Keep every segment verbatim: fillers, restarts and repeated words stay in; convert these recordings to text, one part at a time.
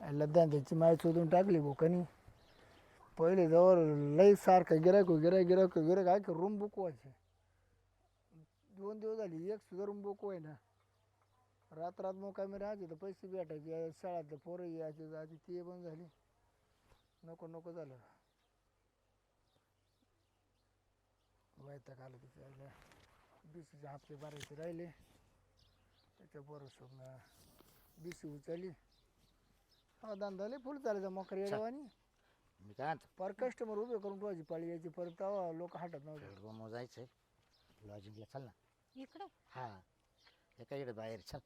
लद्दान त्याची माय चोदून टाकली भोकानी. पहिले जवळ लई सारखं गिरायक गिरायक गिरायक गिरायक आहे की रूम बुक व्हायचे. दोन दिवस झाली एक सुद्धा रूम बुक व्हाय ना. रात रात मग काय मी राहायचे तर पैसे भेटायचे शाळातले पोरं यायचे जायचे ते बंद झाली. नको नको झालं. वैताग आलं तिथे. बीसीचे हप्ते भरायचे राहिले त्याच्या बरोबर बीसी उचलली. हा धंदा लय फुल चालायचा मोकर येडवानी. मी काय म्हणतो पर कस्टमर उभे करून ठेवायची पाळी यायची परत तेव्हा लोक हटत नव्हते. रूम जायचंय लॉजिंगला चल ना. इकडे हा एका इकडे बाहेर चल.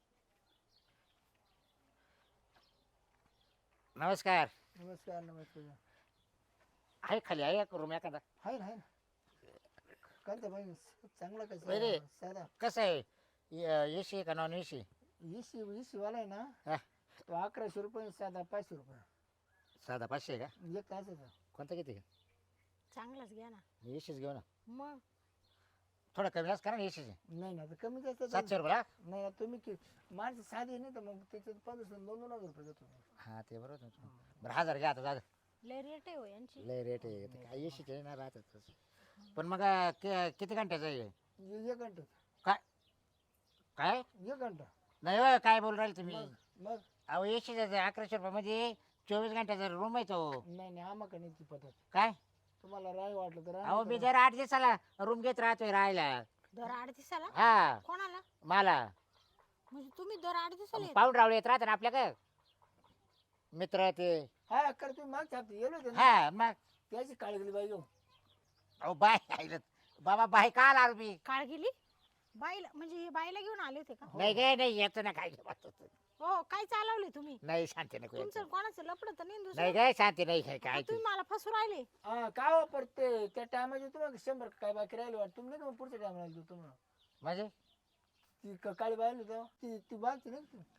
नमस्कार. नमस्कार नमस्कार. आहे खाली आहे का रूम एखादा? आहे ना आहे ना. कोणता पाहिजे चांगला अरे. कसं साधा? कसं आहे ए सी आहे का नॉन ए सी? इसी इसी वाला आहे ना हा तो अकराशे रुपये साधा पाचशे रुपये साधा पाचशे आहे का? एक तासाचा. कोणता किती का? चांगलाच घ्या ना. ए सीच घेऊ ना. मग थोडं कमी जास्त करा ना ए सीचे. नाही ना तर कमी जास्त सातशे रुपये हा? नाही ना तुम्ही की माणसं साधी नाही तर मग त्याच्यात पंधरा दोन दोन हजार रुपये देतो. हा ते बरोबर तुमचं. बरं हजार घ्या आता जा. लय रेट आहे हो यांची. लय रेट आहे ते काय ए सीचे ना राहतात तसं. पण मग कि- किती घंट्याचं आहे? एक घंटा काय काय एक घंटा नाही हो, काय बोल राहिले तुम्ही? मग मग अहो ए सीचा अकराशे रुपयामध्ये चोवीस घंट्याचा रूम आहे तो. नाही नाही आम्हाला नाही ती पद्धत. काय तुम्हाला राय वाटलं तर अहो मी राहा. जर आठ दिवसाला रूम घेत राहतोय राहायला. दर आठ दिवसाला हा कोणाला? मला म्हणजे तुम्ही दर आठ दिवसाला येता? पाऊण रावळे येत राहते ना आपल्या काय मित्र ते. हा कर तुम्ही मागच्या हप्ते गेलो होते ना हा मग त्याची काळजी गेली बाई घेऊन. अहो बाय आईला बाबा बाय का आला मी? काळ गेली बाईला म्हणजे हे बाईला घेऊन आले होते का? नाही गे नाही येतो ना काय हो काय चालवले तुम्ही? नाही शांती नको तुमचं येतो. कोणाचं लपड तर नाही नाही दुसरं? गे शांती नाही काय काय तुम्ही मला फसू राहिले. हा काय वापरते त्या टायमाचे तुम्हाला शंभर काय बाकी राहिले वाटत तुम्ही नाही का मग पुढच्या टायमाला देऊ तुम्हाला म्हणजे ती क- काळी बायली तेव्हा ती ती बालची नाही का ती?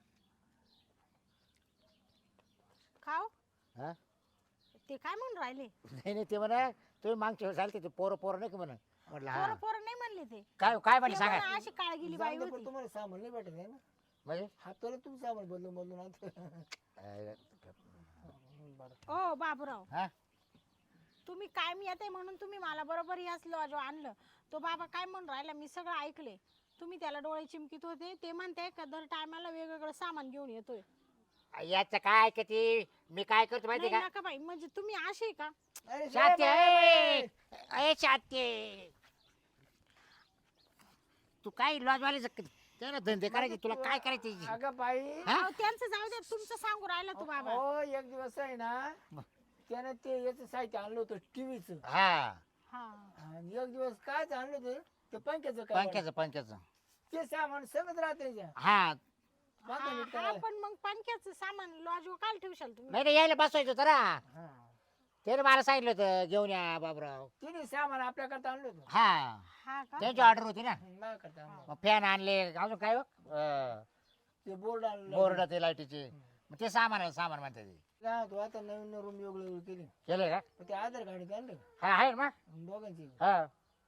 खाओ हा ते काय म्हणून राहिले? नाही नाही ते म्हणा तुम्ही मागच्या वेळेस आलते ते पोरं पोरं नाही का म्हणा म्हटलं पोरं हा पोरं नाही म्हणले ते. काय काय ते म्हणे सांगा म्हणा अशी काळ गेली बाई जाऊ दे, पण होती. तुम्हाला सामान नाही भेटत आहे ना म्हणजे हाताला तुम्ही सामान बदलून बदलून आणतो. अं, बरं. ओ बाबूराव हा तुम्ही काय मी येते म्हणून तुम्ही मला बरोबर याच लॉज आणलं. तो बाबा काय म्हणून राहिला मी सगळं ऐकले. तुम्ही त्याला डोळे चिमकीत होते ते म्हणते का दर टायमाला वेगवेगळं सामान घेऊन येतोय. याचं काय किती मी काय करतो माहिती नाही का? नका बाई म्हणजे तुम्ही असे का? अरे शाते बाई, अय शाते तू काय लॉजवाले त्याला धंदे करायचे तुला काय करायचे? अगं बाई हा? अहो, त्यांचं जाऊ द्या तुमचं सांगू राहिला तो बाबा. हो एक दिवस आहे ना त्याने ते याचं साहित्य आणलं होतं टीव्हीचं हा हा आणि एक दिवस काय आणलं होतं ते पंख्याचं काय पंख्याचं पंख्याचं ते सामान सगळं राहते हा हा, हा, पण मग पंख्याचं सामान लॉज काय ठेवशाल तुम्ही? नाही नाही यायला बसवायचं होतं ना त्याने मला सांगितलं होतं घेऊन या बाबराव. तिने सामान आपल्याकरता आणलं होतं हा हा का? त्यांची ऑर्डर होती ना. माझ्याकरता आणलं मग फॅन आणले अजून काय हो? अं, ते बोर्ड आणलं बोर्ड ते लाईटीचे मग ते सामान सामान म्हणते ते काय होतं, आता नवीन रूम वेगळी वेगळी केली केलं का? पण ते आधार कार्ड आणलं हा आहे ना मग दोघांची हा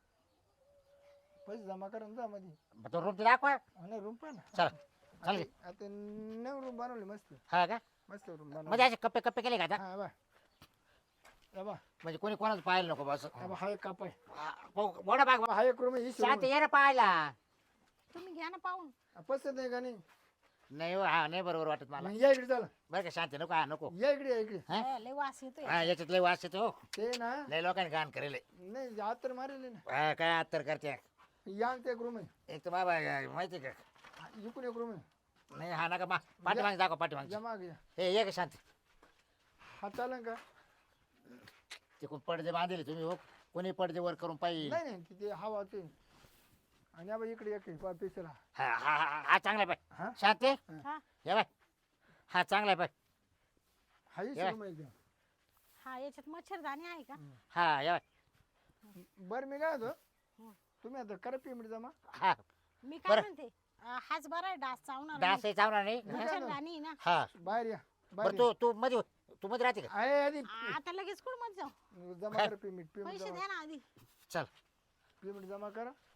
पैसे जमा करून जा मध्ये मग तो रूम ते दाखवा आणि रूम पण चला चालेल आता नवीन रूम बनवली मस्त हा का मस्त रूम बनवली म्हणजे असे कप्पे कप्पे केले का आता? हा बा या बा म्हणजे कोणी कोणाचं पाहिलं नको बस या बा, हा एक कापाय मोठा भाग हा एक रूम आहे ही शांत ये ना पाहायला. तुम्ही घ्या ना पाहून. पसंत नाही का नाही नाही हो, हा नाही बरोबर वाटत मला. मग या इकडे चला बरं का शांती नको हा नको या इकडे या इकडे हा? अ, लय वास येतोय. हा याच्यात लय वास येतो हो. ते ना लय लोकांनी घाण करेल नाही हात तर मारेल ना हा, काय आत्तर करते या आणते एक रूम आहे एक तर बाबा माहिती का हा, इकडून एक रूम आहे नाही हा नका मा पाठीमागे दाखव पाठीमागे जमा घ्या हे ये का शांती हा चालेल का तिकडून पडदे बांधले तुम्ही हो कोणी पडदे वर करून पाहिजे. नाही नाही तिथे हवा ते आणि या बा इकडे एक आहे पेशल हा हा हा हा हा चांगला आहे हा? पाय शांती हा ये बाय हा चांगला आहे पाय हा ही या. रूम आहे एकदम हा याच्यात मच्छरदाणी आहे का? हा ये बाय बरं मी काय होतो तुम्ही आता करा पेमेंट जमा हा मी काय बरं. म्हणते अ, हाच बरा आहे डास चावणार डास नाही. चावणार नाही मच्छरदाणी आहे ना. हा बाहेर या बरं बाहेर तू तू मध्ये तू मध्ये राहते का? आहे आधी आता लगेच कुठं मत जाऊ? जमा करा पेमेंट पेमेंट पैसे जमा द्या ना आधी. चल पेमेंट जमा करा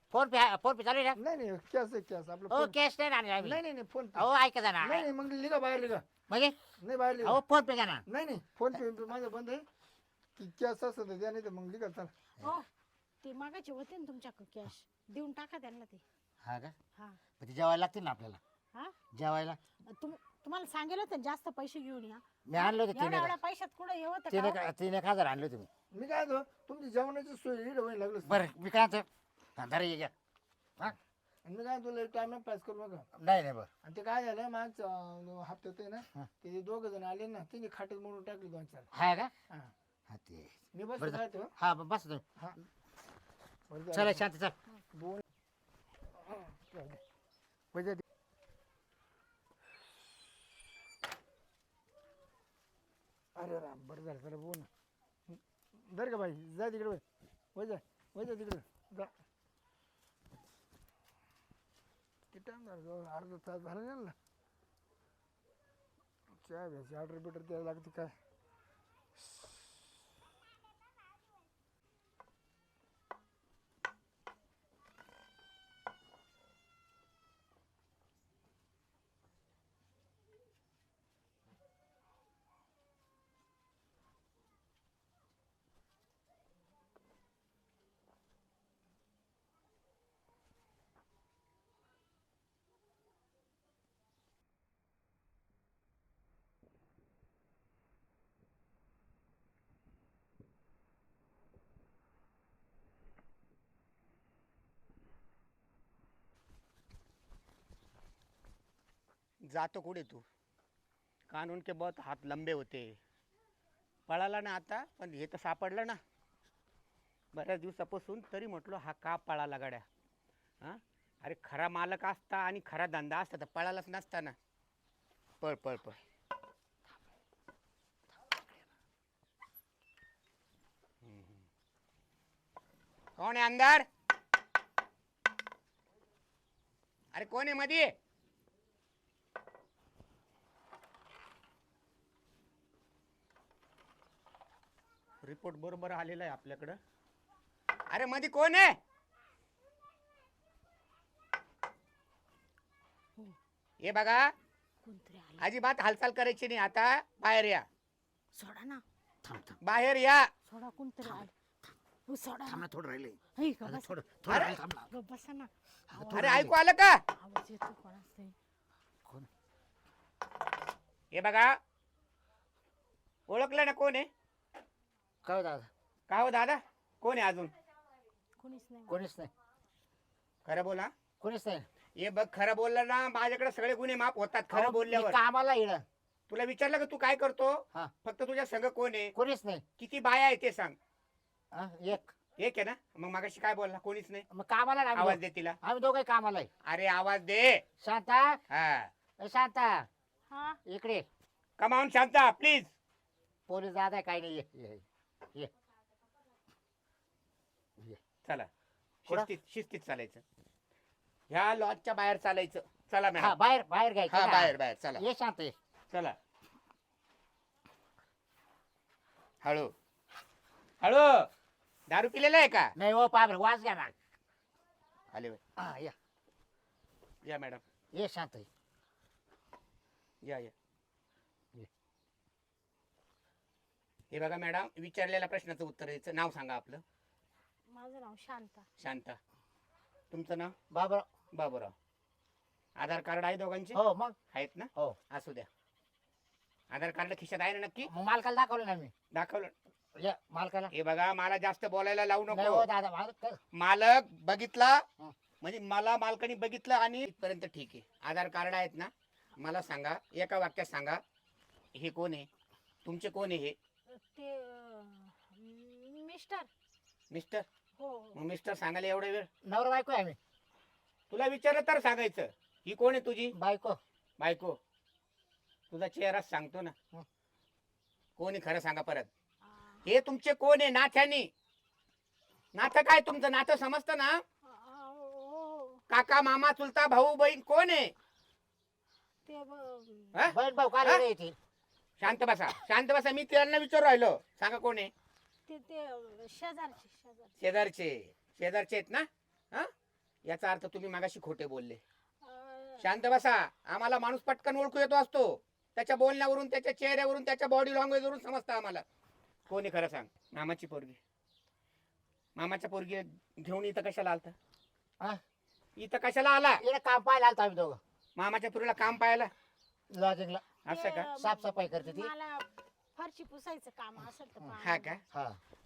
फोन पे फोन पे चालू आहे ना नाही नाही कॅश आहे कॅश आपलं हो फोन- कॅश नाही ना आणले आम्ही. नाही नाही नाही फोन पे अहो ऐका जा ना नाही नाही मग लिगा बाहेर लिगा म्हणजे नाही बाहेर लिगा अहो फोन पे घ्या ना नाही नाही फोन पे माझं बंद आहे की कॅश असं तर द्या नाही तर मग लिगा चला हो ते मागायचे होते ना तुमच्याकडे कॅश देऊन टाका त्यांना ते हा का हा पण ते जेवायला लागतील ना आपल्याला हा जेवायला तुम तुम्हाला सांगेल होतं जास्त पैसे घेऊन या मी आणले होते तीन एवढ्या एक एवढ्या पैशात कुठं हे होतं तीन का एक तीन एक हजार आणले तुम्ही मी काय होतो तुमची जेवणाची सोय इकडे व्हायला लागलं बरं मी काय म्हणतो हा धरा ये घ्या हा आणि मी काय तुला टाइम पास करू नका नाही नाही बरं आणि ते काय झालं मागच्या अं, हप्त्यात आहे ना हा. ते दोघ जण आले ना तिने खाटच म्हणून टाकली दोन चार हा का हा हा ते मी बस बरं काय तो हा ब- बस तुम्ही हा बरं झालं. चला शांत चल दोन पैसे दे. अरे राम बरं झालं चला बोल ना बरं का बाई जा तिकडे वय वय जा वय जा तिकडे जा किती टाइम झाला अर्धा तास झाला नाही ना चहा घ्यायची ऑर्डर बिटर द्यायला लागते काय जातो कुठे तू कानून के बहुत हात लंबे होते पळाला ना आता पण हे तर सापडलं ना बऱ्याच दिवसापासून तरी म्हटलो हा का पळाला गाड्या हां अरे खरा मालक असता आणि खरा धंदा असता तर पळालाच नसता ना पळ पळ पळ हम्म, हम्म. कोण आहे अंदर अरे कोण आहे मध्ये रिपोर्ट बरोबर आलेला आहे आपल्याकडं अरे मध्ये कोण आहे हे बघा कोणतरी आलं अजिबात हालचाल करायची नाही आता बाहेर या सोडा ना थांब थांब बाहेर या सोडा कोणतरी आलं हो, सोडा थांब ना ना थोडं राहिले हे का बस थोडं थोडं राहिलं, थांब ना ग बसा ना अरे ऐकू आलं का आवाज येतो कोणाचा तरी. कोण हे बघा ओळखलं ना कोण आहे काय हो दादा का हो दादा कोण आहे अजून कोणीच नाही कोणीच नाही खरं बोला कोणीच नाही हे बघ खरं बोललं ना माझ्याकडे सगळे गुन्हे माफ होतात खरं अहो, बोलल्यावर मी कामाला येणं तुला विचारलं का तू काय करतो हा फक्त तुझ्या संघ कोण आहे कोणीच नाही किती बाया आहे ते सांग हा, एक एक आहे ना मग मागाशी काय बोलला कोणीच नाही मग कामाला ना आम्ही आवाज दोघं. दे तिला आम्ही दोघे कामाला आहे अरे आवाज दे शांता हा ए शांता हा इकडे कमावून शांता प्लीज पोलीस दादा काय नाही ये ये ये ये. चला कुठं? शिस्तीत शिस्तीत चालायचं ह्या लॉजच्या बाहेर चालायचं चला हा मॅडम बाहेर बाहेर घ्यायचं हा ना. बाहेर बाहेर चला ये शांत ये चला हळू हळू दारू पिलेला आहे का नाही हो पाबर वाज घ्या ना आले बाई. हा या या मॅडम ये शांत ये या या ये. हे बघा मॅडम विचारलेल्या प्रश्नाचं उत्तर द्यायचं नाव सांगा आपलं माझं नाव शांता शांता तुमचं नाव बाबर बाबूराव आधार कार्ड आहे दोघांचे हो मग आहेत ना हो असू द्या आधार कार्ड खिशात आहे ना नक्की मग मालकाला दाखवलं ना मी दाखवलं ये मालकाला हे बघा मला जास्त बोलायला लावू नाही नको हो दादा मालक मालक बघितला हं. म्हणजे मला मालकाने बघितलं आणि इथपर्यंत ठीक आहे आधार कार्ड आहेत ना मला सांगा एका वाक्यात सांगा हे कोण आहे तुमचे कोण आहे हे ते अं, मिस्टर मिस्टर हो हो. मग मिस्टर सांगायला एवढा वेळ नवरा बायको आहे आम्ही तुला विचारलं तर सांगायचं ही कोण आहे तुझी बायको बायको तुझा चेहराच सांगतो ना हं. कोणी खरं सांगा परत आ, हे तुमचे कोण आहे नाथ्यानी नातं काय तुमचं नातं समजतं ना आ, हो, हो. काका मामा चुलता भाऊ बहीण कोण आहे ते ब- हा? बहीण भाऊ हा? काय येतील शांत बसा शांत बसा मी त्यांना विचारू राहिलो सांगा कोण आहे ते ते शेजारचे शेजारचे शेजारचे शेजारचे आहेत ना हा याचा अर्थ तुम्ही मागाशी खोटे बोलले. अं, शांत बसा. आम्हाला माणूस पटकन ओळखू येतो असतो. त्याच्या बोलण्यावरून, त्याच्या चेहऱ्यावरून, त्याच्या बॉडी लँग्वेजवरून समजतं आम्हाला. कोणी खरं सांग. मामाची पोरगी. मामाच्या पोरगी घेऊन इथं कशाला आलता? हा? इथं कशाला आला? इकडे काम पाहायला आलतो आम्ही दोघं मामाच्या पोरीला काम पाहायला. लॉजिंगला. असं का? ते, साफसफाई करते ती. मला फरशी पुसायचं काम असेल तर पहा. हा का? हा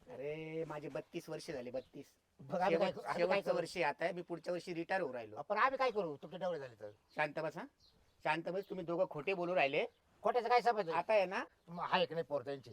अरे माझे बत्तीस वर्ष झाले. बत्तीस बघ आम्ही काय शेवट- आम्ही काय शेवटचं करू? वर्षी आता आहे. मी पुढच्या वर्षी रिटायर होऊ राहिलो. पण आम्ही काय करू तुमचे डवळे झाले तर? शांत बसा. शांत बस. तुम्ही दोघं खोटे बोलू राहिले. खोट्याचं काय समज आता आहे ना, हा एक नाही पोर त्यांची.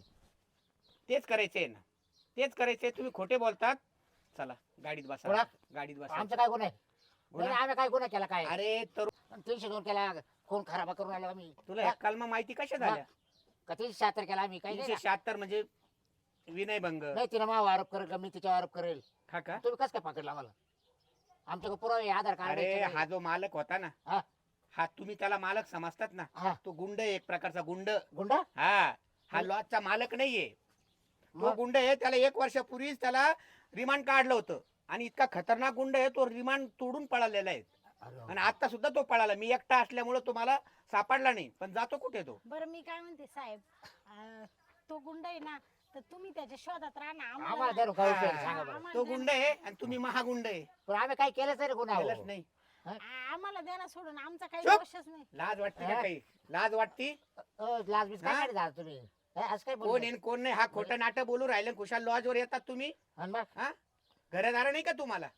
तेच करायचंय ना. तेच करायचंय. तुम्ही खोटे बोलतात. चला गाडीत बसा. कोणा? गाडीत बसा. आमचा काय गुन्हा आहे? गुन्हा? नाही, आम्ही काय गुन्हा केला काय? अरे तर तीनशे दोन केला कोण खराबा करून आलो आम्ही? तुला ह्या कलमा माहिती कशा झाल्या? का तीनशे शहात्तर केला आम्ही काही तीनशे नाही ना. शहात्तर म्हणजे विनयभंग. नाही तिने माझा आरोप करेल का मी तिच्यावर आरोप करेल? हा का? तुम्ही कसं काय पकडला आम्हाला? आमच्याकडे पुरावे आधार कार्ड अरे आहे, हा जो मालक होता ना, हा. हा तुम्ही त्याला मालक समजतात ना. हा. तो गुंड आहे, एक प्रकारचा गुंड. गुंडा हा हा लॉजचा मालक नाहीये. तो मग? गुंड आहे. त्याला एक वर्षापूर्वीच त्याला रिमांड काढलं होतं. आणि इतका खतरनाक गुंड आहे तो. रिमांड तोडून पळालेला आहे. अरे आणि आता सुद्धा तो पळाला. मी एकटा असल्यामुळे तो मला सापडला नाही. पण जातो कुठे तो? बरं मी काय म्हणते साहेब, अं, तो गुंड आहे ना, तर तुम्ही त्याच्या शोधात राहा ना. आम्हाला आम्हाला धरून काय उपयोग हा. सांगा बरं. आम्हाला तो द्या गुंड आहे आणि तुम्ही महागुंड आहे. पण आम्ही काय केलंच नाही रे गुन्हा केलंच हो. नाही. ना- आम्हाला द्या ना सोडून. आमचा काही चुप! दोषच नाही. लाज वाटते का हा? काही? लाज वाटती? अ, लाज बीज काय हा? काढता तुम्ही? हे, असं काय कोण बोलले? आहे कोण नाही? हा खोटं नाटक बोलू राहिले. खुशाल लॉजवर येतात तुम्ही. आणि मग? हा घरदार नाही का तुम्हाला?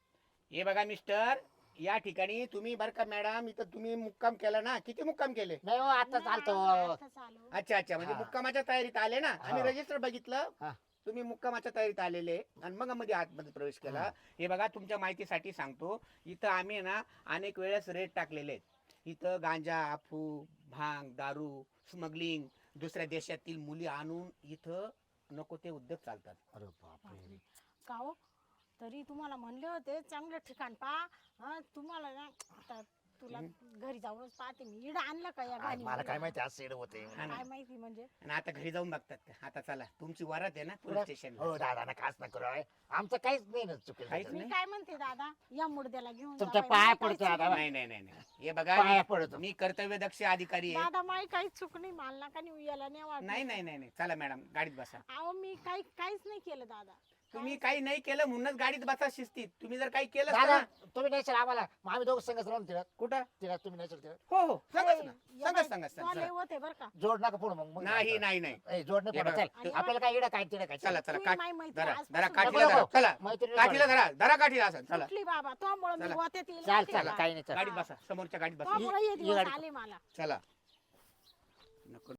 हे बघा मिस्टर, या ठिकाणी तुम्ही बरं का मॅडम, इथं तुम्ही मुक्काम केला ना. किती मुक्काम केले? नाही हो आता नाही, चालतो. आम्ही आताच आलो. अच्छा अच्छा. म्हणजे हा. मुक्कामाच्या तयारीत आले ना. आम्ही हा. रजिस्टर बघितलं. हा. तुम्ही मुक्कामाच्या तयारीत आलेले आणि मग मध्ये आतमध्ये प्रवेश केला. हा. हे बघा तुमच्या माहितीसाठी सांगतो. इथं आम्ही ना अनेक वेळेस रेट टाकलेले आहेत. इथं गांजा, अफू, भांग, दारू, स्मगलिंग, दुसऱ्या देशातील मुली आणून इथं नको ते उद्योग चालतात. अरे बापरे. का हो? तरी तुम्हाला म्हणले होते चांगलं ठिकाण पहा. हं, तुम्हाला ना आता तुला घरी जाऊनच पाहते मी. इड आणलं का या आ, गाडी? मला काय माहिती आज सेड होते. हा ना. काय माहिती म्हणजे? आणि आता घरी जाऊन बघतात का? आता चला तुमची वरात आहे ना पोलीस पुढं? स्टेशन. हो दादा ना खास नका करू आहे. आमचं काहीच नाही ना चुकीचं. काहीच मी नाही? काय म्हणते दादा, या मुर्द्याला घेऊन जा तुमच्या बाई. पाया माई पडतो काहीच दादा. चूक नाही नाही नाही नाही. हे बघा पाया मी- पडतो. मी कर्तव्य दक्ष अधिकारी आहे. दादा माई काहीच चूक नाही. मला नका नेऊ, याला नाही वाटत. नाही नाही नाही नाही. चला मॅडम गाडीत बसा. अहो मी काही काहीच नाही केलं दादा. तुम्ही काही नाही केलं म्हणूनच गाडीत बसा शिस्तीत. तुम्ही जर काही केलं दादा ना. तुम्ही नाही आम्हाला मग आम्ही दोघं संगच राहून तिला कुठं? तिला तुम्ही नाही तिला हो हो सांगाच ना. या सांगाच बाई, सांगाच तुला लय सांगा. होते बरं का. जोड नका पुढे मग मग नाही नाही नाही. ए, जोड नाही हे पडत. बघा. चल आणि आपल्याला काय इडं काय तिडं काय चला चला तुम्ही काठ माई मैत्रीण धरा आजपासून धरा नको, काठीला नको. धरा. चला मैत्रिणी काठीला धरा. धरा काठीला असं. चला कुठली बाबा त्यामुळे मी चला. गोत्यात येईल चाल माहिती चाल का? काही नाही चल. गाडीत बसा. समोरच्या गाडीत बसा. त्यामुळे हे ये दिवस गाडी. आले मला. चला नको